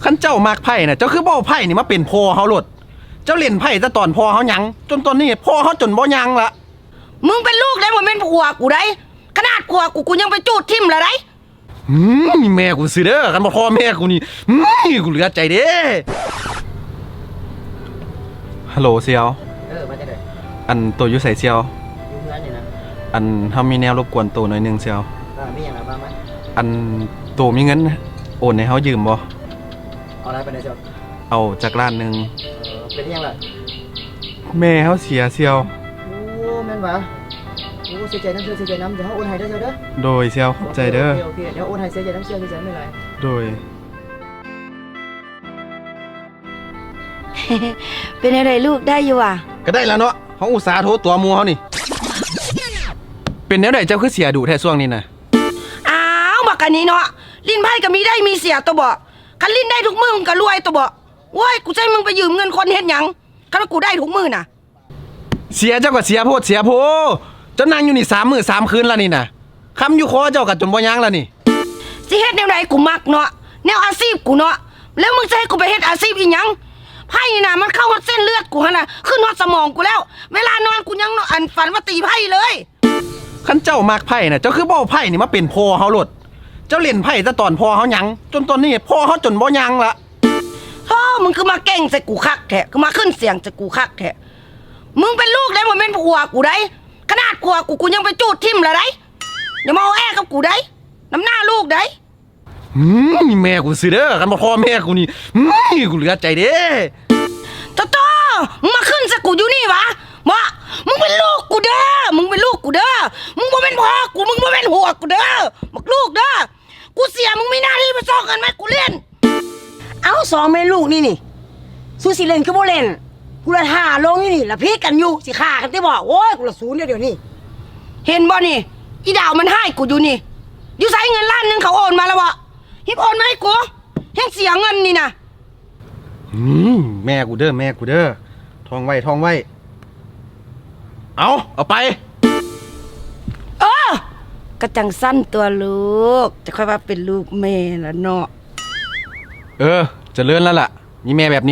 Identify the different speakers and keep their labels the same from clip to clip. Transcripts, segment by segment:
Speaker 1: ขั้นเจ้ามากไพ่น่ะเจ้าคือบ่เอาไพ่นี่มาเป็นพ่อเขาโลดเจ้าเล่นไพ่แต่ตอนพ่อเขายังจนตอนนี้พ่อเขาจนบ่ยังละ
Speaker 2: มึงเป็นลูกได้บ่แม่นผัวกูได้ขนาดผัวกูยังไปจูดทิ่มละได้
Speaker 1: แม่กูสิเด้อกันบ่พ่อแม่กูนี่กูเหลือใจเด้ฮัลโหลเซียว
Speaker 3: มาจะได้
Speaker 1: อันตัวอยู่ใส่เซียว
Speaker 3: อยู่เพื่อนนี่นะ
Speaker 1: อันเฮามีแนวรบกวนตัวหน่อยนึงเซียว
Speaker 3: มีอย่างไรบ้างไหม
Speaker 1: อันตัวมีเงินโอนให้เฮายืมบ่
Speaker 3: เอาอะไรไปไหนเจ้า
Speaker 1: เอาจากร้านนึง
Speaker 3: เป็นยังไง
Speaker 1: แม่เฮาเสียเซียว
Speaker 3: โอ้แม่นวะโอ้เสียใจน้ำเสียใจน้ำเดี๋ยวเขาโอนให้ได้เจ้าเด้อ
Speaker 1: โดยเซียวใจเด้อ
Speaker 3: โอเคเดี๋ยวโอนให้เสียใจน้ำเสียใจไม่ไร
Speaker 1: โดย
Speaker 2: เป็นอะไรลูกได้อยู่อ่ะ
Speaker 1: ก็ได้แล้วเนาะเขาอุตส่าห์โทรตัวมัวเขานี่เป็นแนวไหนเจ้าคือเสียดูแท้ช่วงนี้นะ
Speaker 2: อ้าวบักอันนี้เนาะลิ้นไพ่ก็มีได้มีเสียตัวบ่คันลิ้นได้ทุกมือมึงก็รวยตัวบ่โว้ยกูใช้มึงไปยืมเงินคนเฮ็ดหยังคันกูได้ทุกมือน่ะ
Speaker 1: เสียเจ้าก็เสียโพดเสียโพเจ้านั่งอยู่นี่3 มื้อ 3 คืนแล้วนี่นะคำอยู่คอเจ้าก็จนบ่ยั้งแล้วนี่
Speaker 2: สิเฮ็ดแนวไหนกูมักเนาะแนวอาชีพกูเนาะแล้วมึงจะให้กูไปเฮ็ดอาชีพอีหยังไพ่น่ะมันเข้าเส้นเลือดกูหั่นน่ะขึ้นฮอดสมองกูแล้วเวลานอนกูยังอันฝันว่าตีไพ่เลย
Speaker 1: คันเจ้ามากไพ่น่ะเจ้าคือบ่เอาไพ่นี่มาเป็นพ่อเฮาโลดเจ้าเล่นไพ่แต่ตอนพ่อเฮายังจนตอนนี้พ่อเฮาจนบ่ยังละ
Speaker 2: มึงคือมาเก่งใส่กูคักแท้คือมาขึ้นเสียงใส่กูคักแท้มึงเป็นลูกได้บ่แม่นผัวกูได้ขนาดผัวกูยังไปจูดทิ่มละได้อย่ามาเอาแอ้กับกูได้น้ำหน้าลูกได้
Speaker 1: แม่กูสิเด้อกันบ่พ่อแม่กูนี่กูเหลือใจเด้
Speaker 2: โตมึงมาขึ้นใส่กูอยู่นี่วะมามึงเป็นลูกกูเด้อมึงเป็นลูกกูเด้อมึงบ่เป็นพ่อกูมึงบ่เป็นผัวกูเด้อบักลูกเด้อกูเสียมึงมีหน้าที่ไปซ้อกันไหมกูเล่น
Speaker 4: เอาสองแม่ลูกนี่สู้สิเล่นคือบ่เล่นกูละท่าลงนี่ละพีกันอยู่สิฆ่ากันได้บ่โอ้ยกูละศูนย์เดี๋ยวนี้
Speaker 2: เห็นบ่นี่อีดาวมันให้กูอยู่นี่อยู่ใส่เงินล้านนึงเขาโอนมาแล้วบ่ฮิบโอนมาให้กูแห่งเสียเงินนี่นะ
Speaker 1: แม่กูเด้อแม่กูเด้อท่องไว้ท่องไว้เอาไป
Speaker 2: กระจังสั้นตัวลูกจะค่อยว่าเป็นลูกแม่ละเนาะ
Speaker 1: จะเลื่อนแล้วล่ะมีแม่แบบนี้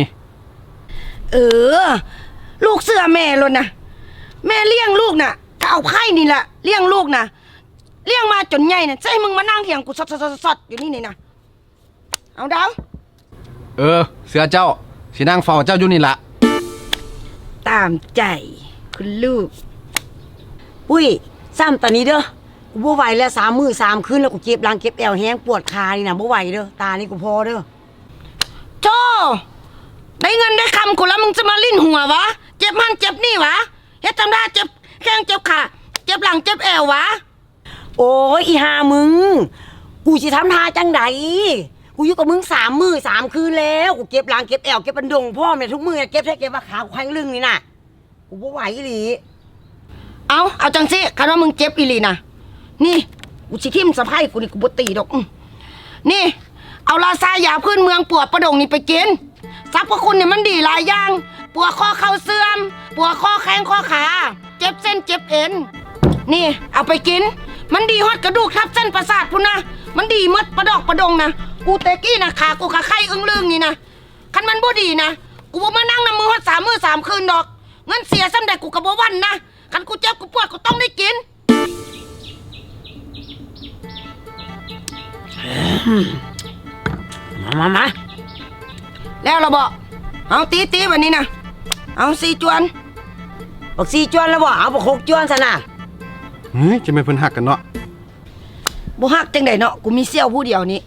Speaker 2: ลูกเสื้อแม่เลยนะแม่เลี้ยงลูกน่ะก็เอาไข่นี่แหละเลี้ยงลูกน่ะเลี้ยงมาจนใหญ่น่ะจะให้มึงมานั่งเถียงกูสดอยู่นี่นะเอาดาว
Speaker 1: เสือเจ้าสินั่งเฝ้าเจ้าอยู่นี่ละ
Speaker 2: ตามใจคุณลูก
Speaker 4: อุ้ยซ้ำตอนนี้เด้อกูบ่ไหวแล้ว3 มื้อ 3 คืนแล้วกูเจ็บหลังเจ็บแอวแห้งปวดขานี่นะบ่ไหวเด้อตานี่กูพอเด้อ
Speaker 2: โธ่ได้เงินได้คำกูแล้วมึงจะมาลิ้นหัววะเจ็บมันเจ็บนี่วะเฮ็ดทำได้เจ็บแข้งเจ็บขาเจ็บหลังเจ็บแอววะ
Speaker 4: โอ้ยอีห่ามึงกูสิทำท่าจังใดกูอยู่กับมึง3 มื้อ 3 คืนแล้วกูเก็บหลังเก็บแอวเก็บบันดงพ่อแม่ทุกมื้อเก็บแท้เก็บว่าขากูแข็งลึงนี่น่ะกูบ่ไหวอีหลี
Speaker 2: เอาจังสิคันว่ามึงเจ็บอีหลีน่ะนี่กูสิทิ่มสะไพร่กูนี่กูบ่ตีดอกนี่เอาลาซายาพื้นเมืองปวดประดงนี่ไปกินสรรพคุณเนี่ยมันดีหลายอย่างปวดข้อเข่าเสื่อมปวดข้อแข้งข้อขาเจ็บเส้นเจ็บเอ็นนี่เอาไปกินมันดีฮอดกระดูกทับเส้นประสาทพุ่นนะมันดีมดประดอกประดงนะกูเตกี้นะขากูขาไข้อึ้งลึงนี่นะคันมันบ่ดีนะกูบ่มานั่งน้ำมือฮอด3 มื้อ 3 คืนดอกเงินเสียซ้ำใดกูก็บ่วันนะคันกูเจ็บกูปวดกูต้องได้กิน
Speaker 4: มา
Speaker 2: แล้วเราบอกเอาตีวันนี้นะเอา4 จวน
Speaker 4: บัก4 จวนแล้วบ่เอาบัก6 จวนซะนะ
Speaker 1: จะไม่เพิ่นหักกันเนาะ
Speaker 2: บ่ฮักจังได๋เนาะกูมีเสี่ยวผู้เดียวนี้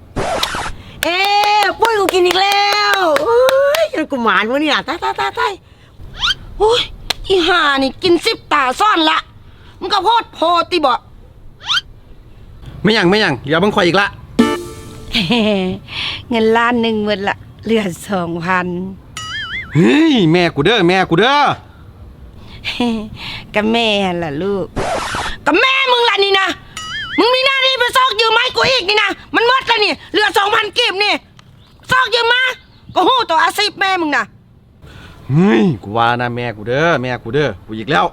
Speaker 4: ปุ้ยกูกินอีกแล้วโอ้ยกูหมานมื้อนี้น่ะตาย
Speaker 2: โอ้ยอีห่านี่กิน10 ตาซ่อนละมึงก็โพดโพติบ่
Speaker 1: ไม่ยังเดี๋ยวบังข่อยอีกละ
Speaker 2: เงินล้านนึงหมดละเหลือ 2,000
Speaker 1: แม่กูเด้อ
Speaker 2: กับแม่ล่ะลูกกับแม่มึงล่ะนี่นะมึงมีหน้าที่ไปซอกยืมไม้กูอีกนี่นะมันหมดแล้วนี่เหลือ 2,000 กีบนี่ซอกยืมมาก็ฮู้ตัวอาชีพแม่มึงนะ
Speaker 1: กูว่านะแม่กูเด้อกูอีกแล้ว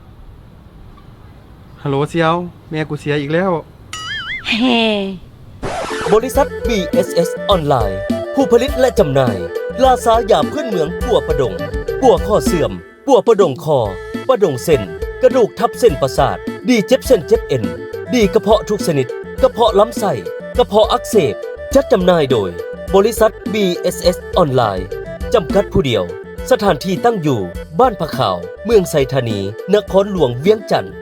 Speaker 1: ฮัลโหลเซียวแม่กูเสียอีกแล้ว
Speaker 5: บริษัท BSS ออนไลน์ผู้ผลิตและจำหน่ายลาซายาพื้นเมืองปัวประดงปัวข้อเสื่อมปัวประดงคอประดงเส้นกระดูกทับเส้นประสาทดีเจ็บเส้นเจ็บเอ็นดีกระเพาะทุกชนิดกระเพาะลำไส้กระเพาะอักเสบจัดจำหน่ายโดยบริษัท BSS ออนไลน์จำกัดผู้เดียวสถานที่ตั้งอยู่บ้านผะขาวเมืองไซธานีนครหลวงเวียงจันทร์